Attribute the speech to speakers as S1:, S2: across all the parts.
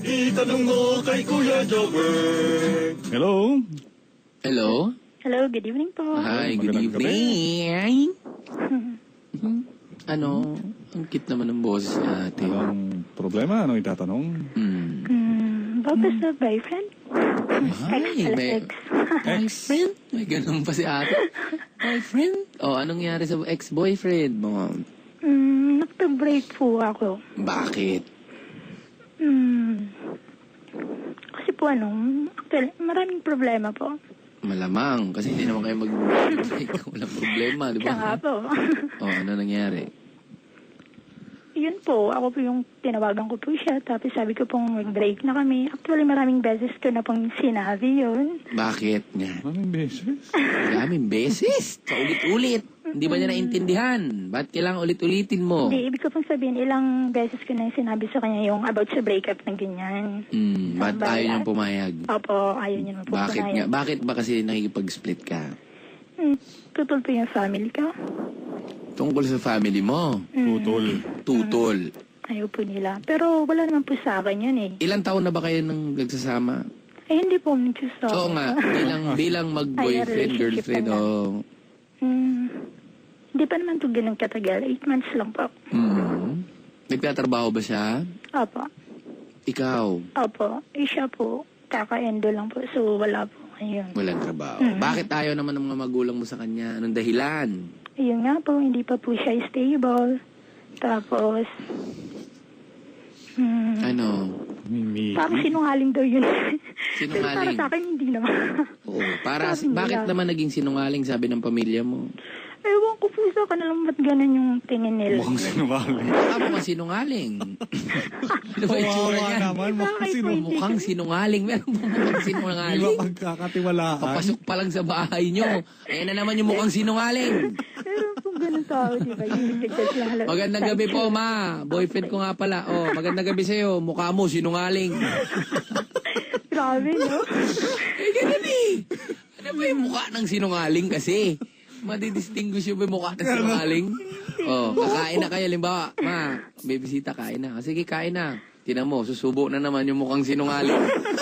S1: Itanong mo kay Kuya Jobber.
S2: Hello?
S3: Hello?
S4: Hello, good evening po.
S3: Hi, good
S2: magandang gabi.
S3: evening. Ano? Ang cute naman ng boses ni ate.
S2: Anong problema? Anong itatanong?
S4: Bakit sa boyfriend?
S3: Ay, may
S4: Ex.
S3: boyfriend? May ganun pa si ate. Boyfriend? Oh, anong nangyari sa ex-boyfriend mo?
S4: Nagpa-break po ako.
S3: Bakit?
S4: Kasi po actually, maraming problema po.
S3: Malamang, kasi hindi naman kayo walang problema, di
S4: Siya nga
S3: ba?
S4: po.
S3: Oh, ano nangyari?
S4: Yun po, ako po yung tinawagan ko po siya. Tapos sabi ko pong mag-break na kami. Actually, maraming beses ko na pong sinabi yun.
S3: Bakit nga?
S2: Anong beses?
S3: Maraming beses. Sa ulit-ulit. Hindi ba niya naintindihan? Ba't kailangan ulit-ulitin mo?
S4: Hindi, ibig ko pong sabihin, ilang beses ko na yung sinabi sa kanya yung about sa breakup ng ganyan.
S3: Ba't
S4: Tama ba
S3: ayaw
S4: yan?
S3: niyang pumayag?
S4: Opo, ayaw niya naman po
S3: Bakit nga?
S4: pumayag.
S3: Bakit ba kasi nakikipag-split ka?
S4: Tutol po yung family ko.
S3: Tungkol sa family mo?
S2: Tutol.
S3: Tutol.
S4: Ayaw po nila. Pero wala naman po sa akin yun eh.
S3: Ilang taon na ba kayo nang nagsasama?
S4: Eh, hindi po nagsasabi.
S3: Oo nga, bilang mag-boyfriend,
S4: Ay,
S3: girlfriend,
S4: relationship
S3: oh.
S4: Hindi pa naman ito ganun katagal. 8 months lang po.
S3: Nagtatrabaho ba siya?
S4: Opo.
S3: Ikaw?
S4: Opo. Eh, siya po. Kaka-endo lang po. So, wala po. Ayun.
S3: Walang trabaho. Bakit ayaw naman ng mga magulang mo sa kanya? Anong dahilan?
S4: Ayun nga po. Hindi pa po siya stable. Tapos,
S3: Ano?
S2: Mimi.
S4: parang sinungaling daw yun. Pero para
S3: Sinungaling?
S4: sa akin, hindi naman.
S3: Oo. Para,
S4: Sabi nila.
S3: bakit naman naging sinungaling sabi ng pamilya mo?
S4: Ewan ko po sa kanila ba't ganun yung tingin nila.
S2: Mukhang sinungaling.
S3: Baka mukhang sinungaling. Ano ba itsura
S2: Kawawa
S3: niyan?
S2: naman. Mukhang sinungaling.
S3: Mukhang sinungaling. Meron ba mukhang
S2: Di ba
S3: sinungaling?
S2: pagkakatiwalaan?
S3: Papasok pa lang sa bahay nyo. Ayan na naman yung mukhang sinungaling.
S4: Meron pong ganun tao, di ba? Yung nagdadjudge lang halos.
S3: Magandang gabi po, ma. Boyfriend ko nga pala. Oh, magandang gabi sa'yo. Mukha mo, sinungaling.
S4: Grabe, no?
S3: Eh, ganun eh. Ano ba yung mukha ng sinungaling kasi? Madidistinguish yung mukha ng sinungaling? Oh, kakain na kayo. Limbawa, ma, bibisita, kain na. Sige, kain na. Tinan mo, susubo na naman yung mukhang sinungaling.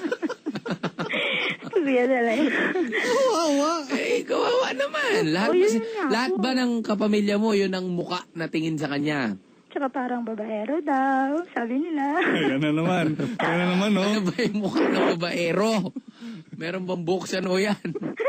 S4: Kuya talaga.
S3: Eh, kawawa naman. Lahat,
S4: Oh,
S3: ba,
S4: yun nga
S3: lahat
S4: po.
S3: ba ng kapamilya mo, yun ang mukha na tingin sa kanya?
S4: Tsaka parang babaero daw, sabi nila.
S2: Ayan na naman. Ayan na naman, no?
S3: Ano ba yung mukha ng babaero? Meron bang buksan o yan?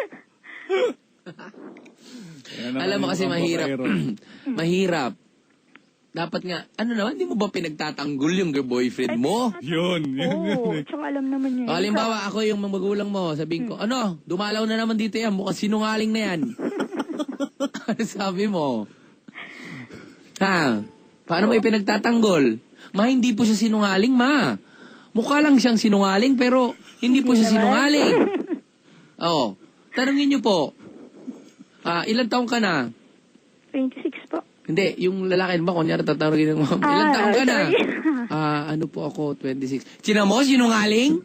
S2: Ayan na
S3: Alam mo
S2: naman
S3: kasi
S2: ang
S3: mahirap.
S2: babaero.
S3: Mahirap. Dapat nga, ano naman, hindi mo ba pinagtatanggol yung boyfriend mo?
S2: Yun.
S4: Oo, tsaka alam naman yun.
S3: O, halimbawa, ako yung mga magulang mo, sabihin ko, ano, dumalaw na naman dito yan, mukhang sinungaling na yan. Ano sabi mo? Ha? Paano mo pinagtatanggol? Ma, hindi po siya sinungaling, ma. Mukha lang siyang sinungaling, pero hindi po siya sinungaling. Oo. Tanungin niyo po, ilang taong ka na?
S4: 26 po.
S3: Hindi, yung lalaki ba, kunyari tatanungin ng mom, ilang taong ka na?
S4: sorry.
S3: Ano po ako, 26. Sina mo, sinungaling?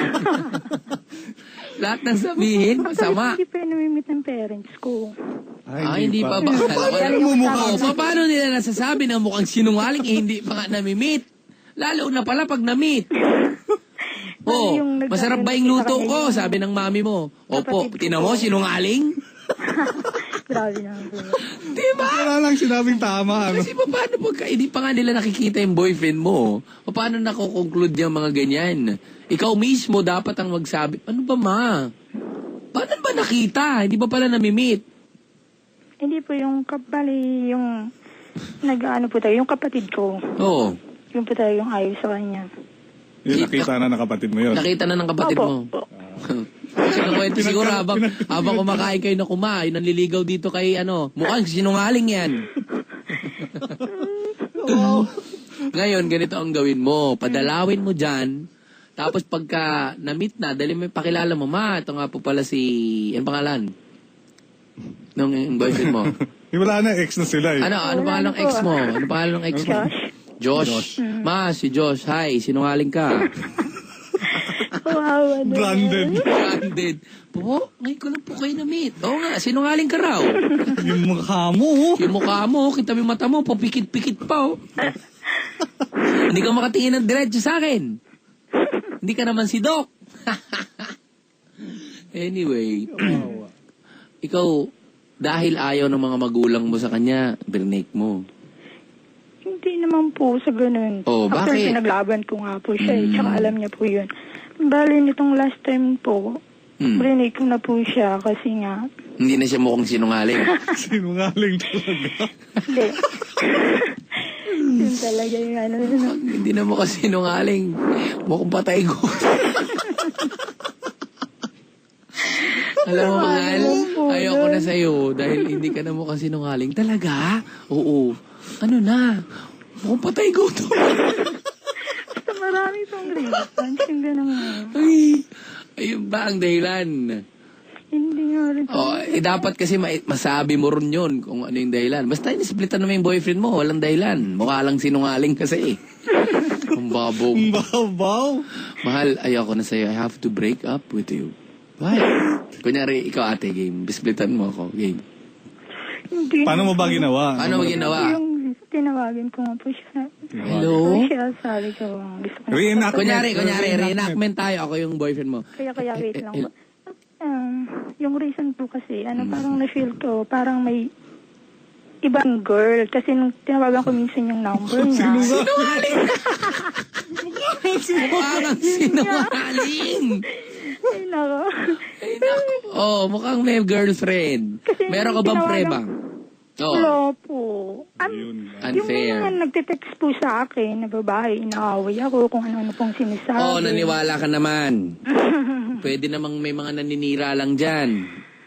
S3: Lahat ng sabihin, masama.
S4: Hindi pa yun namimit ng parents ko.
S3: Hindi pa ba?
S2: Paano mo mukha?
S3: Paano nila nasasabi na mukhang sinungaling, hindi pa nga namimit? Lalo na pala pag namit. Oh,
S4: yung
S3: masarap ba yung luto ko? Sabi ng mami mo. Opo,
S4: Kapatid ko
S3: tinan mo,
S4: po.
S3: sinungaling?
S4: Grabe naman po.
S3: Diba?
S2: Wala lang sinabing tama. Ano?
S3: Kasi paano pagka hindi pa nga nila nakikita yung boyfriend mo? Paano nakukonclude yung mga ganyan? Ikaw mismo dapat ang magsabi, ano ba ma? Paano ba nakita? Hindi ba pala namimit?
S4: Hindi po yung kabali, yung nag-ano po tayo, yung kapatid ko.
S3: Oo.
S4: Yung po tayo yung ayaw sa kanya.
S2: Yung nakita na ng kapatid mo yun.
S3: Nakita na ng kapatid mo.
S4: Opo.
S3: Kasi nakwento siguro habang kumakain kayo na kumain, nanliligaw dito kay mukhang sinungaling yan. Ngayon, ganito ang gawin mo. Padalawin mo dyan. Tapos pagka na-meet na, dali mo pakilala mo, ma, ito nga po pala si, ano pangalan? Nung boyfriend mo.
S2: Wala na, ex na sila eh.
S3: Ano pangalan ng ex mo? Ano pangalan ng ex mo? Josh. Ma, si Josh. Hi, sinungaling ka.
S4: Wow, ano.
S2: Branded.
S3: Branded. Po, ngayon ko lang po kayo na-meet. Oo nga, sinungaling ka raw.
S2: Yung mukha mo.
S3: Yung mukha mo, kita mo yung mata mo, papikit-pikit pa, oh. Hindi ka makatingin ng diretso sa akin. Hindi ka naman si Doc. Anyway, ikaw, dahil ayaw ng mga magulang mo sa kanya, brinake mo.
S4: Hindi naman po sa ganun.
S3: Oh,
S4: Actually,
S3: bakit?
S4: pinaglaban ko nga po siya. Tsaka alam niya po yun. Bali, nitong last time po, brinake ko na po siya kasi nga,
S3: Hindi na siya mukhang sinungaling.
S2: Sinungaling talaga.
S4: hindi. Yun talaga yung ano.
S3: Hindi na mukhang sinungaling. Mukhang patay ko. Alam mo, mahal, ayoko na sa'yo dahil hindi ka na mukhang sinungaling. Talaga? Oo. Ano na? Mukhang patay ko to.
S4: Basta marami pong reasons. Yung ganun nga.
S3: Ay, ayun ba ang dahilan?
S4: Hindi nga rin.
S3: Oh, dapat kasi masabi mo rin yun kung ano yung dahilan. Basta inisplitan naman yung boyfriend mo, walang dahilan. Mukha lang sinungaling kasi eh. Ang babog.
S2: Babaw.
S3: Mahal, ayoko na sa'yo. I have to break up with you. Why? Kunyari, ikaw ate, game. Bisplitan mo ako, game.
S4: Hindi.
S2: Paano mo ba ginawa?
S3: Paano mo ginawa?
S4: Yung tinawagin ko nga po siya.
S3: Hello?
S4: So, siya sabi ko, gusto ko na.
S2: Reenact.
S3: Kunyari, reenactment tayo. Ako yung boyfriend mo.
S4: Kaya wait lang po. Yung reason po kasi, parang na-feel ko, parang may ibang girl. Kasi nung tinawagan ko minsan yung number niya.
S3: Sinungaling! Mukhang sinungaling!
S4: Ay, nako.
S3: Ay, naku. Oh, mukhang may girlfriend.
S4: Kasi
S3: Meron ka bang
S4: tinawagan-
S3: preba? Oh,
S4: Wala po.
S2: Yun.
S4: Yung
S3: unfair.
S4: mga nagtitext po sa akin na babae, inaaway ako kung ano-ano pong sinasabi.
S3: Oh, naniwala ka naman. Pwede namang may mga naninira lang dyan.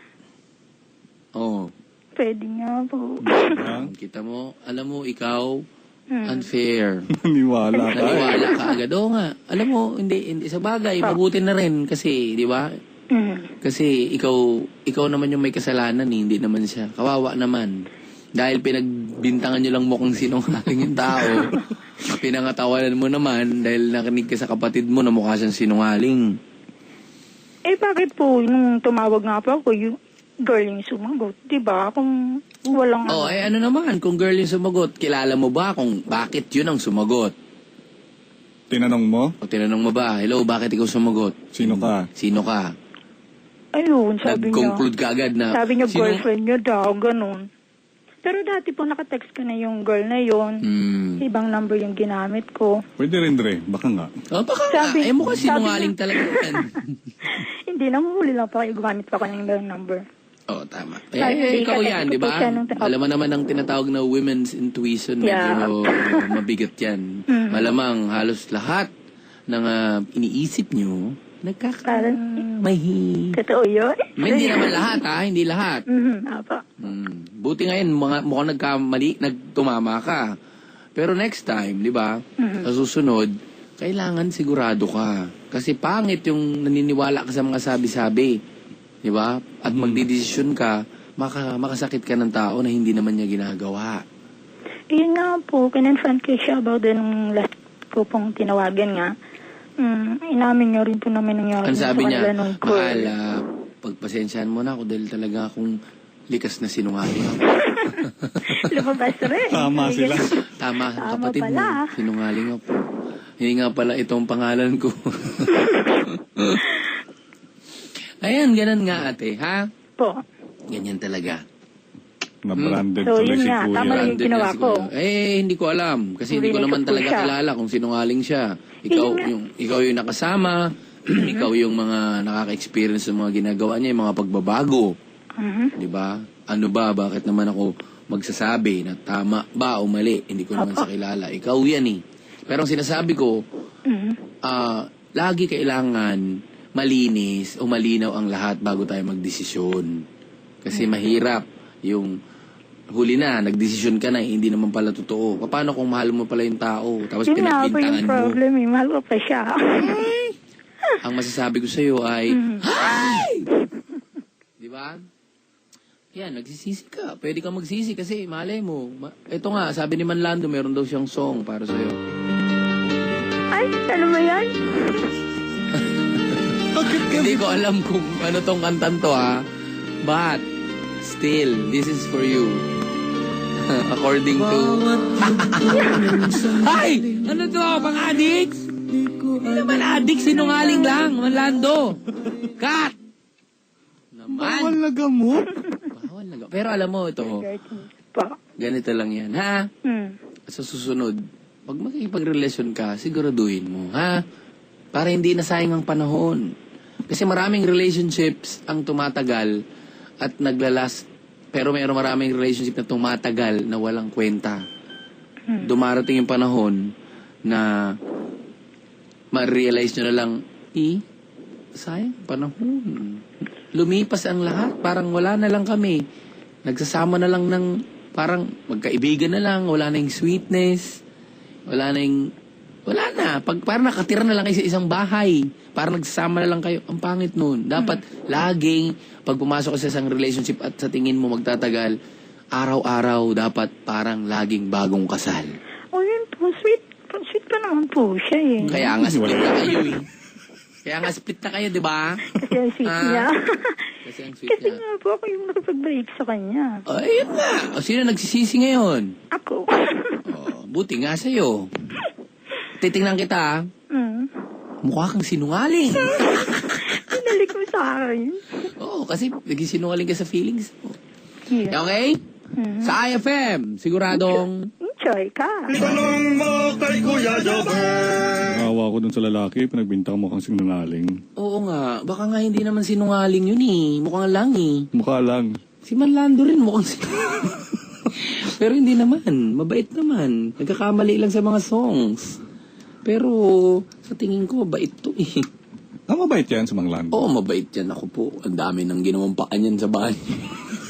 S3: Oh,
S4: Pwede nga po.
S3: kita mo, alam mo, ikaw, unfair.
S2: Naniwala ka.
S3: Naniwala ka agad. Oo nga. Alam mo, hindi sa bagay, mabuti na rin kasi, di ba? Kasi ikaw naman yung may kasalanan eh, hindi naman siya. Kawawa naman. Dahil pinagbintangan nyo lang mukhang sinungaling yung tao. Pinangatawanan mo naman dahil nakinig ka sa kapatid mo na mukha siyang sinungaling.
S4: Eh, bakit po, nung tumawag nga po ako, yung girl yung sumagot, di ba? Kung walang...
S3: Oh, ano naman, kung girl yung sumagot, kilala mo ba kung bakit yun ang sumagot?
S2: Tinanong mo?
S3: O tinanong mo ba, hello, bakit ikaw sumagot?
S2: Sino ka?
S3: Sino ka?
S4: Ayun, sabi niya.
S3: Nag-conclude ka agad na...
S4: Sabi niya,
S3: sino-
S4: girlfriend niya daw, ganun. Pero dati po nakatext ka na yung girl na yun. Ibang number yung ginamit ko.
S2: Pwede rin, Dre. Baka nga.
S3: Oh, baka nga.
S4: Sabi-
S3: Mukhang
S4: sabi
S3: sinungaling
S4: niya-
S3: talaga yan.
S4: Hindi, nanguhuli lang pa kayo. Gumamit pa ko ng ibang number.
S3: Oo, tama.
S4: Sabi,
S3: Ikaw
S4: kasi
S3: yan,
S4: gusto
S3: di ba?
S4: ko siya ng-
S3: Alam mo naman ang tinatawag na women's intuition.
S4: Yeah.
S3: Medyo mabigat yan. Malamang halos lahat ng iniisip nyo, nagkakamahi.
S4: Totoo yun?
S3: Hindi naman lahat, ha? Hindi lahat.
S4: Apa.
S3: Buti ngayon, mukhang nagkamali, nagtumama ka. Pero next time, di ba? Sa susunod, kailangan sigurado ka. Kasi pangit yung naniniwala ka sa mga sabi-sabi. Di ba? At magdidesisyon ka, makasakit ka ng tao na hindi naman niya ginagawa.
S4: Yun nga po, kinonfront ko siya about nung last ko pong tinawagan nga. Inamin niya rin po naman nangyari.
S3: Ang sabi
S4: sa
S3: niya,
S4: kanila nung girl.
S3: mahal, pagpasensyahan mo na ako dahil talaga akong likas na sinungaling ako.
S4: Lumabas rin.
S2: Tama sila.
S3: Tama,
S4: Tama
S3: kapatid mo,
S4: pala.
S3: sinungaling ako. Hindi nga pala itong pangalan ko. Ayan, ganun nga ate, ha?
S4: Po.
S3: Ganyan talaga.
S2: Na-branded
S4: So,
S2: tuloy
S4: yun
S2: si
S4: nga,
S2: Kuya.
S4: tama lang yung ginawa ko.
S3: Hindi ko alam. Kasi hindi ko
S4: Rinig
S3: naman
S4: ko po
S3: talaga
S4: siya.
S3: kilala kung sinungaling siya. Ikaw yung nakasama, ikaw yung mga nakaka-experience ng mga ginagawa niya, yung mga pagbabago. Di ba? Ano ba? Bakit naman ako magsasabi na tama ba o mali? Hindi ko naman sa kilala. Ikaw yan eh. Pero ang sinasabi ko, lagi kailangan malinis o malinaw ang lahat bago tayo magdesisyon. Kasi mahirap yung huli na, nagdesisyon ka na, hindi naman pala totoo. Paano kung mahal mo pala yung tao, tapos
S4: Yun nga po
S3: pinagbintangan
S4: yung
S3: mo?
S4: problem eh. Mahal ko pa siya.
S3: Ang masasabi ko sa'yo ay, Hi! Di ba? Yan, nagsisisi ka. Pwede ka magsisi kasi malay mo. Ito nga, sabi ni Manlando, meron daw siyang song para sa'yo.
S4: Ay, ano ba yan?
S3: Hindi ko alam kung ano tong kantan to ha. But, still, this is for you. According to... Ay! Ano to? Pang-addicts? Hindi naman adik, sinungaling lang, Manlando. Cut!
S2: Bawal
S3: Naman.
S2: na gamot.
S3: Bawal na. Pero alam mo, ito,
S4: Po.
S3: ganito lang yan, ha? Sa susunod, pag makikipagrelasyon ka, siguraduhin mo, ha? Para hindi nasayang ang panahon. Kasi maraming relationships ang tumatagal at naglalast, pero mayroong maraming relationship na tumatagal na walang kwenta. Dumarating yung panahon na ma-realize nyo na lang, sayang panahon. Lumipas ang lahat, parang wala na lang kami. Nagsasama na lang ng, parang magkaibigan na lang, wala na yung sweetness, wala na. Parang nakatira na lang kayo sa isang bahay. Parang nagsasama na lang kayo. Ang pangit nun. Dapat laging, pag pumasok ka sa isang relationship at sa tingin mo magtatagal, araw-araw dapat parang laging bagong kasal.
S4: O yun po, sweet pa naman po siya eh.
S3: Kaya nga split na kayo eh. Kaya nga split na kayo, di ba?
S4: Kasi ang sweet niya.
S3: Kasi ang sweet
S4: Kasi
S3: niya.
S4: nga po ako yung nakipag-break sa kanya.
S3: Ayun nga. O, sino nagsisisi ngayon?
S4: Ako.
S3: Buti nga sa'yo. Titingnan kita, ha? Mukha kang sinungaling.
S4: Pinalik mo sa akin.
S3: Oo, kasi nagsisinungaling ka sa feelings mo.
S4: Yeah.
S3: Okay? Sa IFM, siguradong...
S4: Enjoy ka.
S1: Itanong mo kay Kuya Jobber.
S2: Awa ko dun sa lalaki, pinagbintang mo kang sinungaling.
S3: Oo nga, baka nga hindi naman sinungaling yun eh. Mukhang lang eh.
S2: Mukha lang.
S3: Si Manlando rin mukhang sinungaling. Pero hindi naman, mabait naman. Nagkakamali lang sa mga songs. Pero sa tingin ko, mabait to eh.
S2: Mabait yan sa Manglando.
S3: Oo, mabait yan. Ako po, ang dami nang ginawampaan yan sa bahay.